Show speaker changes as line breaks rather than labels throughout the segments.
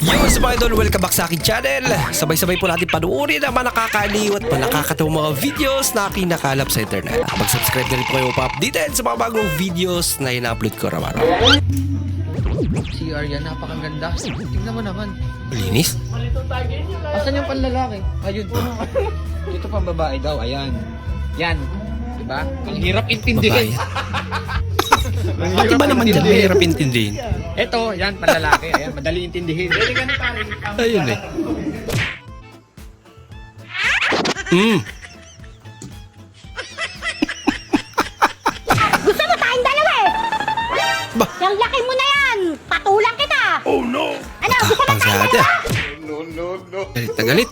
Yo, sa mga idol, welcome back sa aking channel. Sabay-sabay po natin panuorin ang mga nakakaliw at mga nakakatawang mga videos na kinakalap sa internet. Mag-subscribe na rin po kayo pa-updated sa mga bagong videos na ina-upload ko araw-araw.
Si Arya, napakaganda. Tingnan mo naman.
Linis?
Asan yung panlalaki? Ayun. Ito pang babae daw, ayan. Yan. Diba? Ang hirap
Babae.
intindihin.
Pati ba naman dyan, mahirap intindihin?
Ito, yan, panlalaki. Ayan, madali intindihin.
Ayun eh. Hmm.
Gusto mo tayong dalawa eh!
Ba?
Yung laki mo na yan! Patulang kita! Oh no! Ano? Gusto mo
Pang
tayong
sate.
dalawa?
Galit na galit.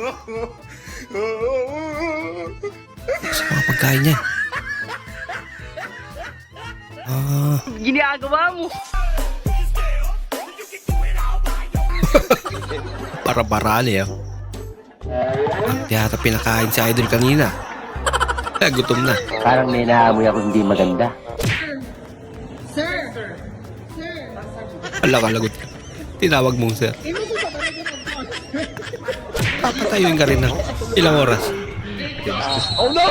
Sa mga pagkain niya.
Ginagawa mo.
Para-parali ah. Ang tiyata pinakain si Idol kanina. Gutom na.
Parang may naamoy ako hindi maganda.
Wala ka lagot ka. Tinawag mong sir. Papatayuin ka rin na. Ilang oras?
Oh no!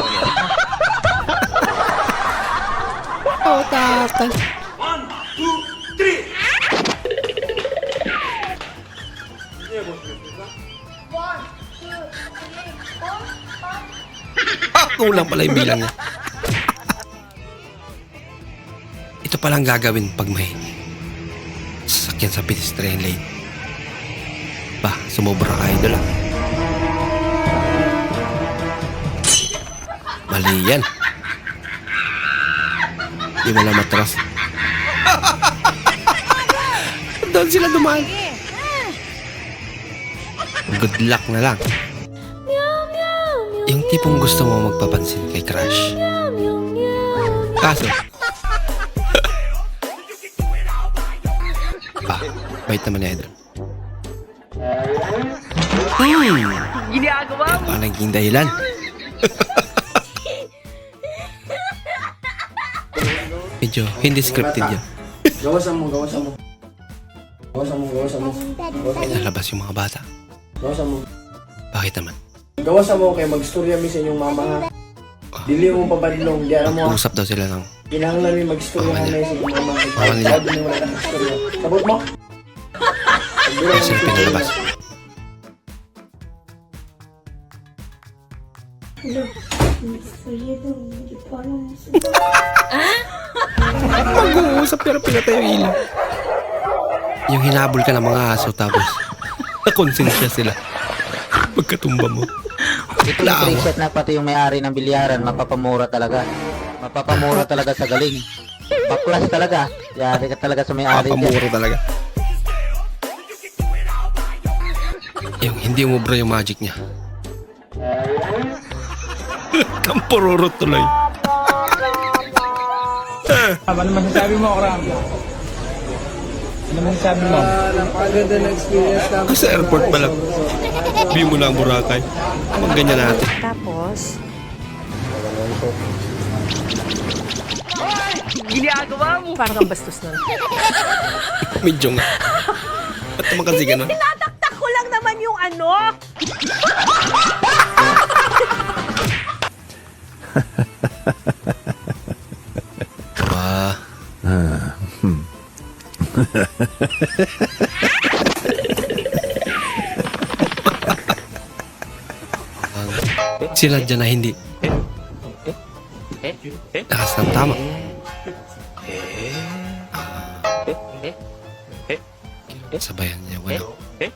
Oh, takal. Kulang pala yung bilang niya. Ito palang gagawin pag may sasakyan sa pedestrian lane. Ba, sumobra ka idol ah. Mali yan. Di mo lang matras. Doon sila dumaan. Good luck na lang. Yung tipong gusto mo magpapansin kay crush. Kaso, bait naman ni Idol.
Ginagawa mo.
Baka naging dahilan. Medyo hindi scripted yan.
Gawasan mo. Gawasan mo.
Lalabas yung mga bata.
Gawasan mo.
Bakit naman?
Gawasan mo kay magstorya mi sa inyong mama ha. Dili mo pabadlong, di mo.
Usap daw sila ng
Kinahanglan mi magstorya
Mama
ka
nila.
na sa inyong mama.
Mama nila.
Sabi mo wala ka magstorya. Sabot mo.
kaya sila pinalabas. Mag-uusap pero pinatay yung ilaw. Yung hinabol ka ng mga aso tapos nakonsensya sila. Pagkatumba mo.
Ito yung preset na pati yung may-ari ng bilyaran, mapapamura talaga. Mapapamura talaga sa galing. Baklas talaga. Yari ka talaga sa may-ari dyan.
Papamuro talaga. Yung hindi umubra yung magic niya. Kampururot tuloy.
Ano masasabi mo, Kram? Ano masasabi mo?
Napakaganda ng experience namin.
Kasi sa airport pa lang. View mo lang Boracay. Mag ganyan natin.
Tapos,
Ginagawa mo.
parang ang bastos na.
Medyo nga. Ba't naman kasi ganun?
Tinataktak ko lang naman yung ano.
Ba? Sila dyan na hindi. Lakas ng tama. Sabayan niya, wala.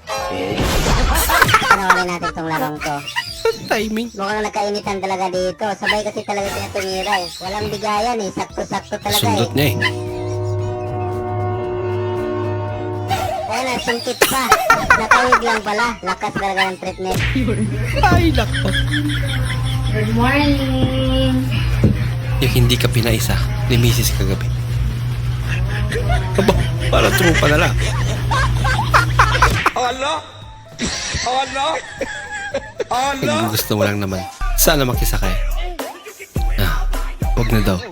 Panoorin natin tong larong to.
Timing.
Mukhang nagkainitan talaga dito. Sabay kasi talaga sila tumira eh. Walang bigayan eh. Sakto-sakto talaga
Sundot
eh.
niya eh.
Ayun, sungkit pa. Nakawig lang pala. Lakas talaga ng treatment.
Ay, lako.
Good morning!
Yung hindi ka pinaisa ni Mrs. kagabi. Aba, para trupa na lang. Ang gusto mo lang naman, sana makisakay. Wag na daw.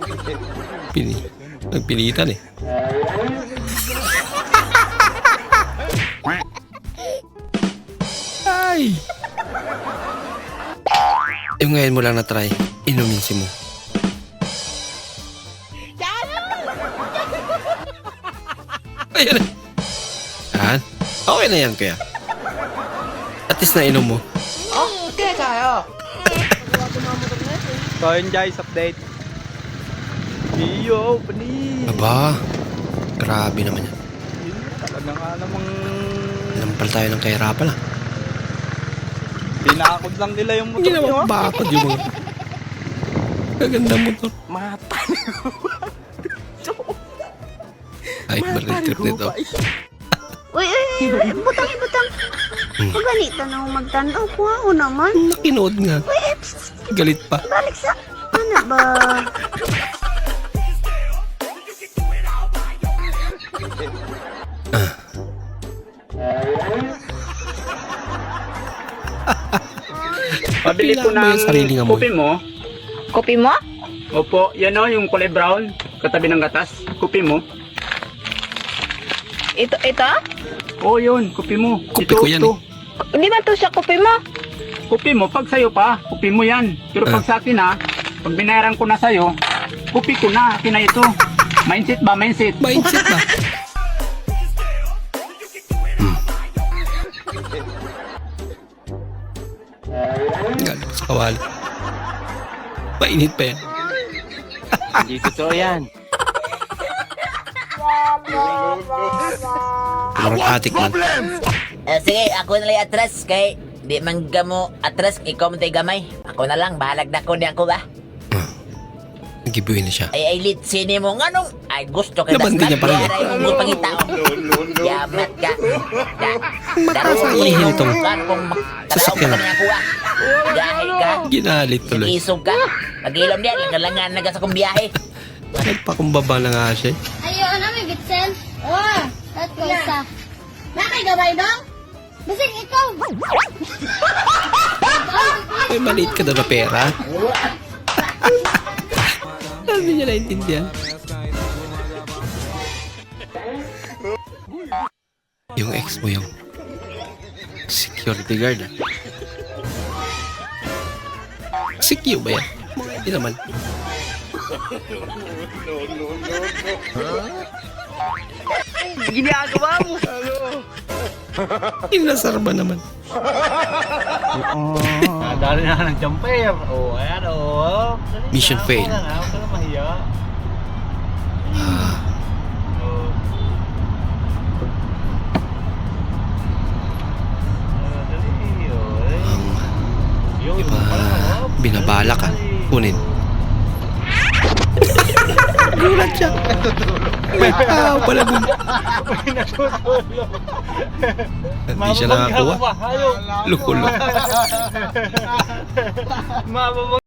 Nagpilitan eh. Ay! Yung ngayon mo lang na-try, inumin si mo. Ayan. Yan. Okay na yan kaya. At least na inom mo.
So yun guys, update. Iyo, pani.
Aba, grabe naman yan.
Talaga nga namang
Nampal tayo ng kahirapan ah.
pinakod lang nila yung motor
Hindi
nyo.
naman bakod yung mga... Kaganda motor.
Mata.
Ay, baril trip nito.
Uy, butang. Kung ganito na ako magtanaw ko, ako naman.
Nakinood nga. Galit pa.
Balik sa... Ano ba?
Pabili ko
Kailangan mo
ng
yung sariling amoy.
kopi mo.
Kopi mo?
Opo, yan o, yung kulay brown. Katabi ng gatas. Kopi mo.
Ito?
Oo, yun. Kopi mo.
Kopi ko yan
Hindi ba ito siya kopi mo?
Kopi mo, pag sa'yo pa, kopi mo yan. Pero pag sa akin pag binayaran ko na sa'yo, kopi ko na. Akin na ito. Mindset ba? Mindset.
Mindset ba? Galit sa kawali. Mainit pa yan.
Hindi totoo yan.
Parang atik man.
Sige, ako na lang atras kay di man gamo atras ikaw man tay gamay. Ako na lang bahalag na ko di ako ba.
Nagibuhin na siya.
Ay lit sini mo nganong ay gusto ka
Nabandi niya pa rin.
Mo pangitao. Yamat ka.
Mataas ang ihil itong
sasakyan.
sasakyan.
Dahil ka.
Ginalit tuloy.
Isog ka. Pag-ilom diyan langalangan naga sa kong biyahe.
Nagpakumbaba na nga siya.
Ayun, ano may bitsen? Oh, at ko isa. Nakay gabay dong? Bising ikaw.
May maliit ka daw na pera. Hindi niya naintindihan. Yung ex mo yung security guard. Secure ba yan? Hindi naman.
Ginagawa mo.
Inasar ba naman?
Dali na ng jumper. Oh, ayan oh.
Mission failed.
Huwag ka na mahiya.
Ah,
Oh. Dali. Oh,
ang
Yung
iba binabala ka. Kunin. Gulat siya. May tao pala dun. Hindi siya nakakuha. Lukulok.